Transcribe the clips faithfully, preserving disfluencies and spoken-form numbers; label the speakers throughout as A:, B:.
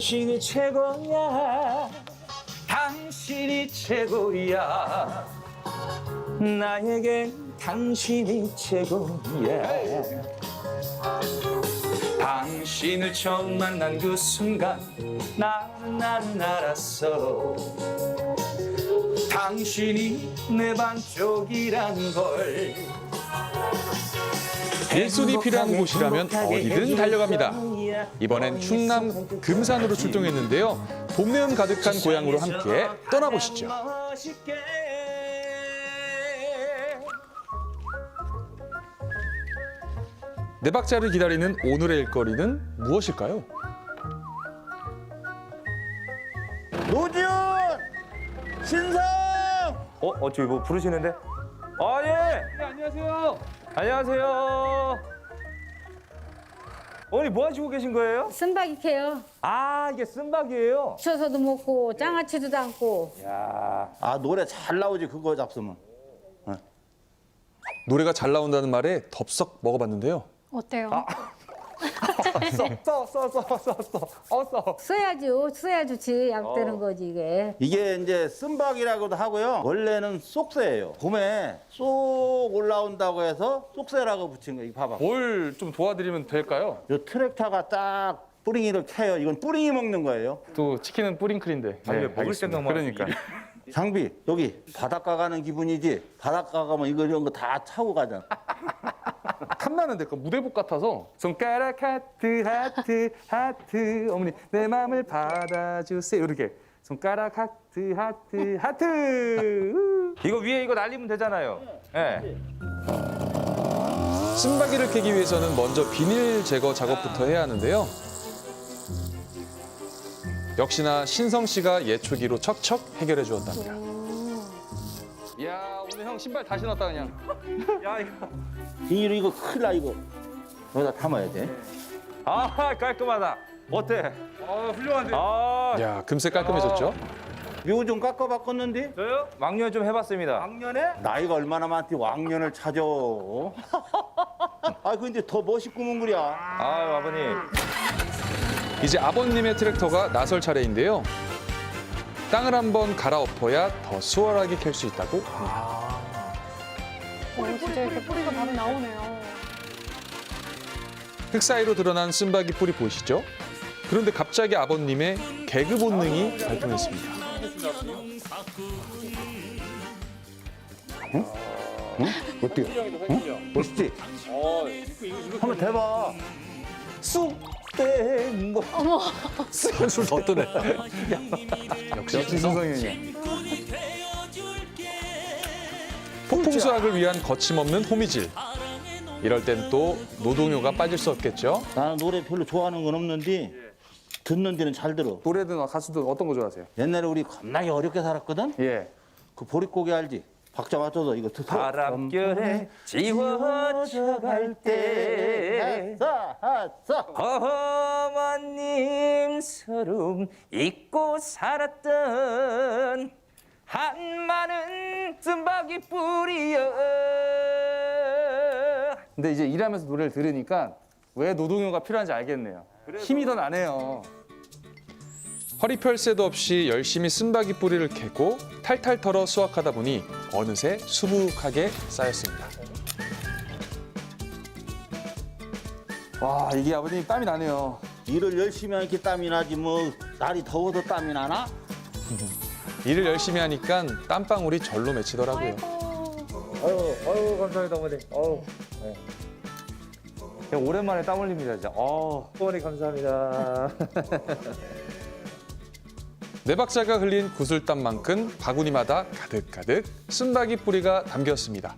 A: 당신이 최고야. 당신이 최고야. 나에겐 당신이 최고야. 당신을 처음 만난 그 순간 나는 나는 알았어. 당신이 내 반쪽이란 걸.
B: 일손이 필요한 곳이라면 어디든 달려갑니다. 이번엔 충남 금산으로 출동했는데요. 봄내음 가득한 고향으로 함께 떠나보시죠. 네 박자를 기다리는 오늘의 일거리는 무엇일까요?
C: 노지훈! 신성!
A: 어? 어, 저기 뭐 부르시는데? 아, 예! 네, 안녕하세요. 안녕하세요. 어머니 뭐 하시고 계신 거예요?
D: 쓴바기 캐요.
A: 아, 이게 쓴박이에요?
D: 쳐서도 먹고 장아찌도 담고.
A: 야,
C: 아, 노래 잘 나오지, 그거 잡수면.
B: 노래가 잘 나온다는 말에 덥석 먹어봤는데요.
E: 어때요?
A: 써, 써, 써, 써, 써, 써, 어, 써.
D: 써야죠. 써야 좋지. 약 되는
A: 어.
D: 거지 이게.
C: 이게 이제 쓴박이라고도 하고요. 원래는 쏙새예요. 봄에 쏙 올라온다고 해서 쏙새라고 붙인 거. 이거 봐봐.
B: 뭘 좀 도와드리면 될까요?
C: 요 트랙터가 딱 뿌링이를 캐요. 이건 뿌링이 먹는 거예요.
B: 또 치킨은 뿌링클인데.
A: 아니, 왜 먹을 생각만
B: 그러니까.
C: 장비, 여기 바닷가 가는 기분이지. 바닷가 가면 이거 이런 거 다 차고 가잖아.
B: 탐나는데 그 무대복 같아서. 손가락 하트 하트 하트 어머니 내 맘을 받아주세요. 이렇게 손가락 하트 하트 하트.
A: 이거 위에 이거 날리면 되잖아요. 예.
B: 쓴바기를 캐기 위해서는 먼저 비닐 제거 작업부터 해야 하는데요. 역시나 신성 씨가 예초기로 척척 해결해 주었답니다. 야 오늘 형 신발 다시 넣었다 그냥.
A: 야, 이거.
C: 비닐 이거 큰일 나, 이거. 여기다 담아야 돼.
A: 아, 깔끔하다. 어때?
B: 아 훌륭한데.
A: 아,
B: 야 금세 깔끔해졌죠?
C: 묘 좀 깎아 바꿨는데?
A: 저요? 왕년 좀 해봤습니다.
C: 왕년에? 나이가 얼마나 많디 왕년을 찾아. 아, 근데 더 멋있구먼 그려.
A: 아유, 아버님.
B: 이제 아버님의 트랙터가 나설 차례인데요. 땅을 한번 갈아엎어야 더 수월하게 캘 수 있다고 합니다.
E: 어, 진짜 이렇게 뿌리가 바로 나오네요.
B: 흙 사이로 드러난 쓴바기 뿌리 보이시죠? 그런데 갑자기 아버님의 개그 본능이 발동했습니다.
C: 어때요? 응? 멋있지? 한번 대봐.
A: 쑥된 뭐.
B: 술 더 뜨네. 역시 신성형이야. 폭풍수학을 위한 거침없는 호미질. 이럴 땐 또 노동요가 빠질 수 없겠죠.
C: 나는 노래 별로 좋아하는 건 없는데 듣는 데는 잘 들어.
B: 노래든 가수든 어떤 거 좋아하세요?
C: 옛날에 우리 겁나게 어렵게 살았거든?
B: 예.
C: 그 보릿고개 알지? 박자 맞춰서 이거 듣어.
A: 바람결에 지워져 갈 때
C: 싸싸
A: 어머님 서름 잊고 살았던 한 많은 쓴바기 뿌리여.
F: 근데 이제 일하면서 노래를 들으니까 왜 노동요가 필요한지 알겠네요. 힘이 더 나네요.
B: 허리펼 새도 없이 열심히 쓴바기 뿌리를 캐고 탈탈 털어 수확하다 보니 어느새 수북하게 쌓였습니다.
F: 와 이게 아버님 땀이 나네요.
C: 일을 열심히 하니까 땀이 나지 뭐 날이 더워도 땀이 나나?
B: 일을 열심히 하니까 땀방울이 절로 맺히더라고요.
A: 아유, 아유, 감사합니다, 어머니. 어우, 네. 그냥 오랜만에 땀 흘립니다, 진짜. 어, 어머니 감사합니다.
B: 네 박자가 흘린 구슬땀만큼 바구니마다 가득가득 쓴바기 뿌리가 담겼습니다.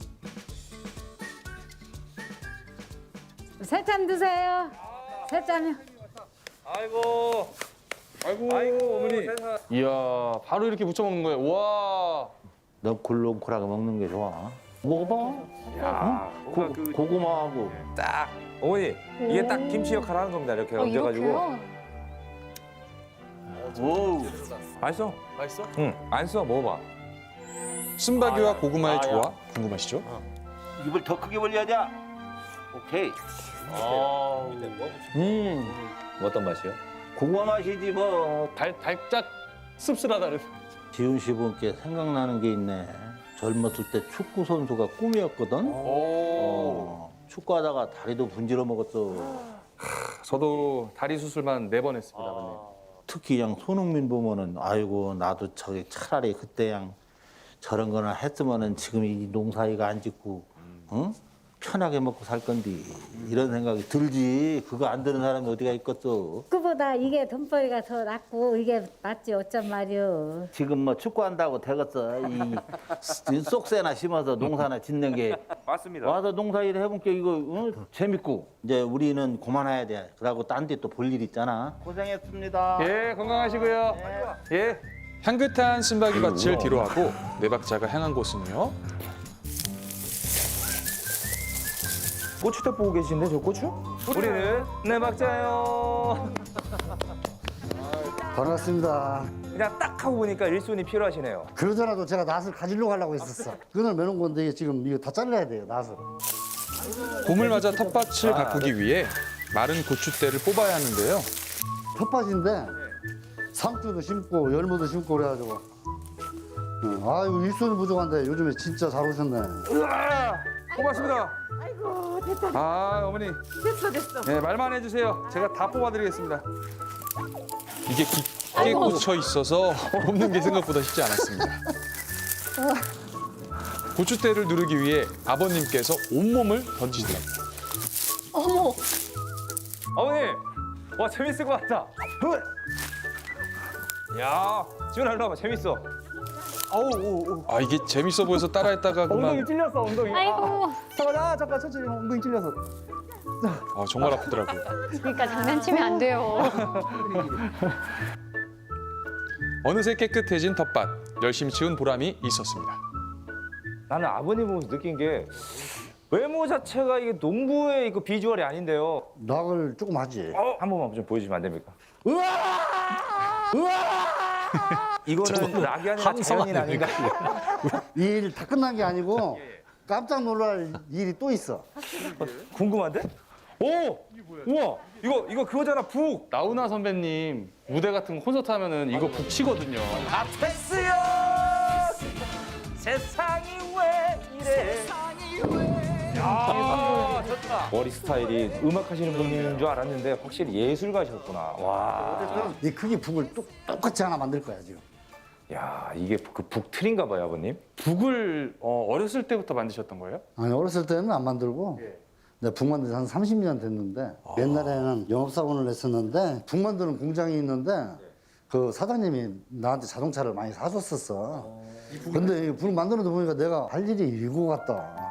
D: 새참 드세요. 새참이요.
A: 아이고,
F: 아이고,
A: 아이고,
F: 어머니.
A: 세상.
F: 이야 바로 이렇게 무쳐 먹는 거예요. 와.
C: 넝쿨렁쿨하게 먹는 게 좋아. 먹어봐.
A: 야,
C: 고,
A: 그,
C: 고구마하고.
A: 딱, 어머니, 이게 딱 김치 역할 하는 겁니다, 이렇게
E: 어,
A: 얹어가지고.
E: 이렇게요?
C: 오.
A: 맛있어?
B: 맛있어?
A: 응, 안 써, 먹어봐.
B: 쓴바기와 고구마의
C: 아,
B: 조화 궁금하시죠?
C: 입을 더 크게 벌려야지. 오케이. 아.
A: 음, 어떤 맛이요?
C: 그거 마시지 뭐.
F: 달, 달짝 씁쓸하다는.
C: 지훈 씨 분께 생각나는 게 있네. 젊었을 때 축구 선수가 꿈이었거든.
F: 오.
C: 어, 축구하다가 다리도 분질러 먹었어.
F: 저도 다리 수술만 네 번 했습니다, 아버님.
C: 특히 그냥 손흥민 보면은 아이고 나도 저기 차라리 그때 그냥 저런 거나 했으면은 지금 이 농사이가 안 짓고 응? 편하게 먹고 살 건디 이런 생각이 들지. 그거 안 드는 사람이 어디가 있겠어.
D: 그보다 이게 돈벌이가 더 낫고 이게 맞지 어쩜 말이오.
C: 지금 뭐 축구한다고 되겠어. 이, 이 쏙새나 심어서 농사나 짓는 게
A: 맞습니다.
C: 와서 농사일 해본 게 이거 어? 재밌고 이제 우리는 그만해야 돼. 그러고 딴 데 또 볼 일 있잖아. 고생했습니다.
F: 예, 건강하시고요. 예.
B: 향긋한 쓴바귀 밭을 뒤로 하고 네 박자가 향한 곳은요.
A: 고추대 보고 계신데 저 고추? 우리는 네 박자요.
G: 반갑습니다.
A: 그냥 딱 하고 보니까 일손이 필요하시네요.
G: 그러더라도 제가 낫을 가지려고 하려고 했었어. 그날 매놓은 건데 이게 지금 이거 다 잘라야 돼요, 낫을.
B: 봄을 맞아 텃밭을 가꾸기 위해 마른 고추대를 뽑아야 하는데요.
G: 텃밭인데 상추도 심고 열무도 심고 그래가지고. 응. 아이고 일손이 부족한데 요즘에 진짜 잘 오셨네.
F: 으아! 고맙습니다. 아이고, 됐다. 아, 어머니. 됐어, 됐어. 네, 말만 해주세요. 제가 다 뽑아드리겠습니다.
B: 이게 깊게 꽂혀 있어서 뽑는 게 생각보다 쉽지 않았습니다. 고추대를 누르기 위해 아버님께서 온몸을 던지더랍니다.
E: 어머,
A: 어머니, 와 재밌을 것 같다. 후! 야, 지훈아 일로 와봐. 재밌어. 아우, 오, 오.
B: 아 이게 재밌어 보여서 따라했다가 그만
A: 찔렸어, 엉덩이.
E: 아이고.
A: 잠깐, 아, 잠깐, 천천히 엉덩이 찔렸어.
B: 아, 정말 아프더라고요.
E: 그러니까 장난치면 안 돼요.
B: 어느새 깨끗해진 텃밭, 열심히 치운 보람이 있었습니다.
A: 나는 아버님 보면서 느낀 게 외모 자체가 이게 농부의 이거 비주얼이 아닌데요.
G: 낙을 조금 하지.
A: 어, 한 번만 좀 보여주시면 안 됩니까? 이거는 락이 아니라 자연인 아닌가?
G: 이 일 다 끝난 게 아니고 깜짝 놀랄 일이 또 있어.
A: 궁금한데? 오! 우와! 이거 이거 그거잖아, 북!
F: 나훈아 선배님 무대 같은 거 콘서트 하면은 이거 북치거든요.
A: 아, 됐어요! 세상이 왜 이래? 야, 좋다. 머리 스타일이 음악 하시는 분인 줄 알았는데 확실히 예술가셨구나. 와.
G: 이 크기 북을 똑, 똑같이 하나 만들 거야 지금.
A: 야, 이게 그 북틀인가 봐요, 아버님.
F: 북을 어, 어렸을 때부터 만드셨던 거예요?
G: 아니 어렸을 때는 안 만들고 내가 북 만든 지 한 삼십 년 됐는데 옛날에는 영업사원을 했었는데 북 만드는 공장이 있는데 그 사장님이 나한테 자동차를 많이 사줬었어. 근데 이 북 만드는 데 보니까 내가 할 일이 일고 같다.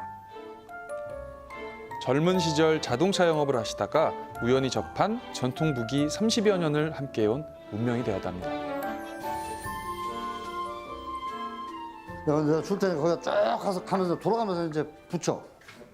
B: 젊은 시절 자동차 영업을 하시다가 우연히 접한 전통 북이 삼십여 년을 함께해온 운명이 되었답니다.
G: 내가 내가 줄 테니까 거기 쭉 가서 가면서 돌아가면서 이제 붙여.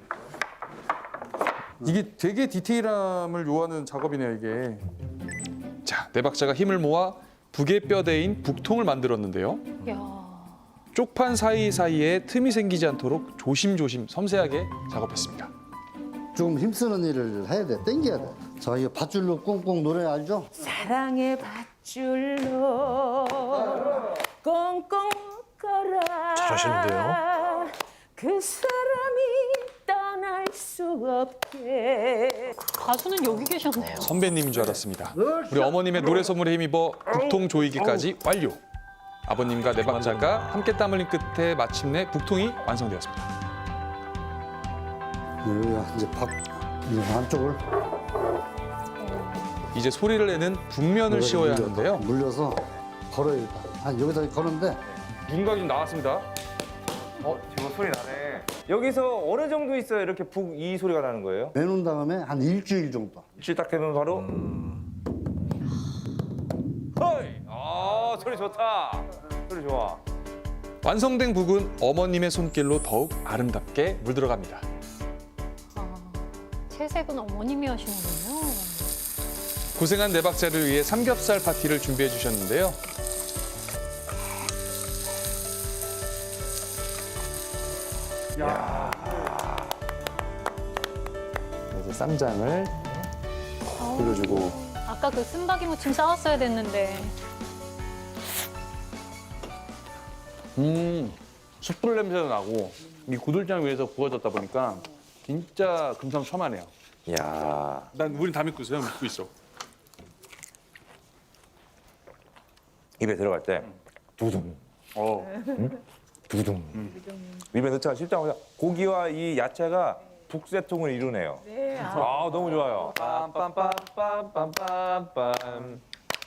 F: 이게 되게 디테일함을 요하는 작업이네요, 이게.
B: 자, 네 박자가 힘을 모아 북의 뼈대인 북통을 만들었는데요.
E: 야,
B: 쪽판 사이사이에 틈이 생기지 않도록 조심조심 섬세하게 작업했습니다.
G: 좀 힘쓰는 일을 해야 돼. 땡겨야 돼. 자, 이거 밧줄로 꽁꽁 노래 알죠?
H: 사랑의 밧줄로 꽁꽁 묶어라.
B: 잘하시는데요?
H: 그 사람이 떠날 수 없게.
E: 가수는 여기 계셨네요.
B: 선배님인 줄 알았습니다. 우리 어머님의 노래 선물에 힘입어 북통 조이기까지 완료. 아버님과 네 박자가 함께 땀 흘린 끝에 마침내 북통이 완성되었습니다.
G: 여기가 이제 밖, 이 안쪽을
B: 이제 소리를 내는 북면을 씌워야
G: 물려서,
B: 하는데요.
G: 물려서 걸어요 일단. 아 여기다 거는데
F: 누군가 좀 나왔습니다.
A: 어, 지금 소리 나네. 여기서 어느 정도 있어야 이렇게 북 이 소리가 나는 거예요?
G: 내놓은 다음에 한 일주일 정도.
A: 일주일 딱 되면 바로. 허이! 아, 소리 좋다. 소리 좋아.
B: 완성된 북은 어머님의 손길로 더욱 아름답게 물들어갑니다.
E: 아, 채색은 어머님이 하시는군요.
B: 고생한 네 박자를 위해 삼겹살 파티를 준비해 주셨는데요.
A: 그래서 쌈장을
B: 올려주고
E: 아, 아까 그 쓴바기 무침 싸웠어야 됐는데.
F: 음, 숯불 냄새도 나고 이 구들장 위에서 구워졌다 보니까 진짜 금상첨화네요.
A: 야.
B: 난 우린 다 믿고 있어요. 믿고 있어.
A: 입에 들어갈 때 두둥.
F: 어.
A: 두둥. 입에 넣자가 쉽지 않고 고기와 이 야채가 북새통을 이루네요. 네. 아, 너무 좋아요. 빰빰빰빰빰빰빰.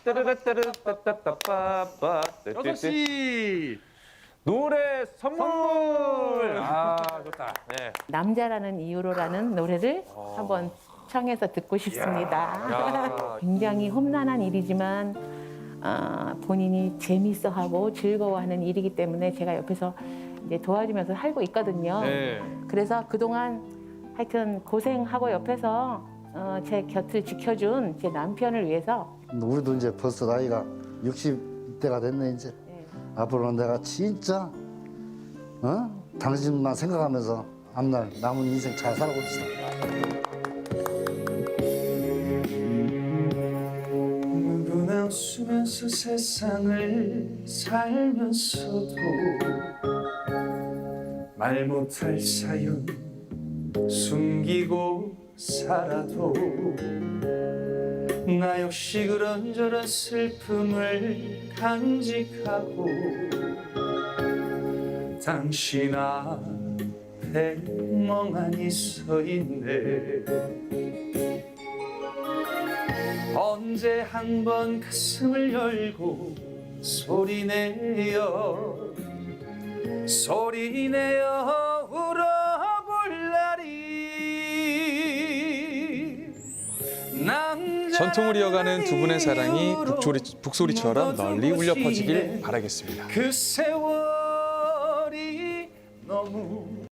A: 따르르따르따따따빠빠.
B: 여섯 시.
A: 노래 선물. 아, 좋다. 네.
H: 남자라는 이유로라는 노래를 한번 청해서 듣고 싶습니다. 굉장히 험난한 일이지만 아, 본인이 재밌어하고 즐거워하는 일이기 때문에 제가 옆에서 이제 도와주면서 살고 있거든요.
B: 네.
H: 그래서 그동안 하여튼 고생하고 옆에서 어, 제 곁을 지켜준 제 남편을 위해서
G: 우리도 이제 벌써 나이가 육십 대가 됐네 이제. 앞으로는 내가 진짜 어? 당신만 생각하면서 앞날 남은 인생 잘 살아봅시다.
I: 누구나 웃으면서 세상을 살면서도 말 못할 사연 숨기고 살아도 나 역시 그런저런 슬픔을 간직하고 당신 앞에 멍하니 서 있네. 언제 한번 가슴을 열고 소리내어 소리내어 울어볼 날이
B: 전통을 이어가는 두 분의 사랑이 북소리, 북소리처럼 널리 울려 퍼지길 바라겠습니다.
I: 그 세월이 너무